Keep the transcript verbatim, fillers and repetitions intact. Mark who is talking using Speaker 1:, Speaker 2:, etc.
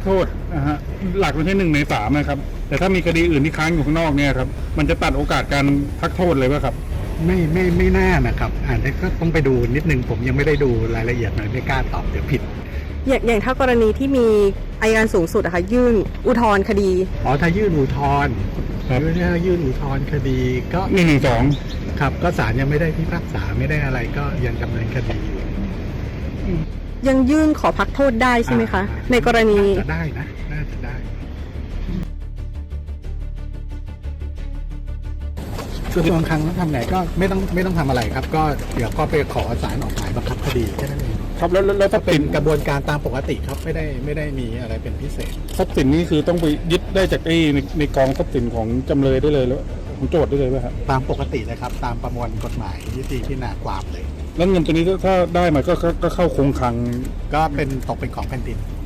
Speaker 1: โทษนะฮะหลักมันแค่หนึ่งในสามนะครับแต่ถ้ามีคดีอื่นที่ค้างอยู่ข้างนอกเนี่ยครับมันจะตัดโอกาสการพักโทษเลยป่ะครับ
Speaker 2: ไม่ไม่ไม่น่านะครับอ่านได้ก็ต้องไปดูนิดนึงผมยังไม่ได้ดูรายละเอียดมันไม่กล้าตอบเดี๋ยวผิด
Speaker 3: อย่างอย่างถ้ากรณีที่มีอัยการสูงสุดอะค่ะยื่นอุทธรณ์คดี
Speaker 2: อ๋อถ้ายื่นอุทธรณ์ถ้ายื่นอุทธรณ์คดีก็
Speaker 1: หนึ่งหนึ่งสอง
Speaker 2: ครับก็ศาลยังไม่ได้พิพากษาไม่ได้อะไรก็ยังดำเนินคดีอยู่
Speaker 3: ยังยื่นขอพักโทษได้ใช่ไหมคะในกรณี
Speaker 2: จะได้นะน่าจะได้กระทรวงคลังต้องทำไงก็ไม่ต้องไม่ต้องทำอะไรครับก็เดี๋ยวก็ไปขอศาลออกหมายบังคับคดีแค่นั้นเอง
Speaker 1: ครับแล้วแล้วถ้า
Speaker 2: เป็นกระบวนการตามปกติครับไม่ได้ไม่ได้มีอะไรเป็นพิเศษ
Speaker 1: ทรัพย์สินนี้คือต้องไปยึดได้จากไอ้ในในกองทรัพย์สินของจำเลยได้เลยแล้วของโจทย์ได้เลยไหมครับ
Speaker 2: ตามปกติเลยครับตามประมวลกฎหมายยุติพิจารณาความเลย
Speaker 1: แล้วเงินตัวนี้ถ้าได้มาก็ก็เข้าคงคลัง
Speaker 2: ก็เป็นตกเป็นของแผ่นดิน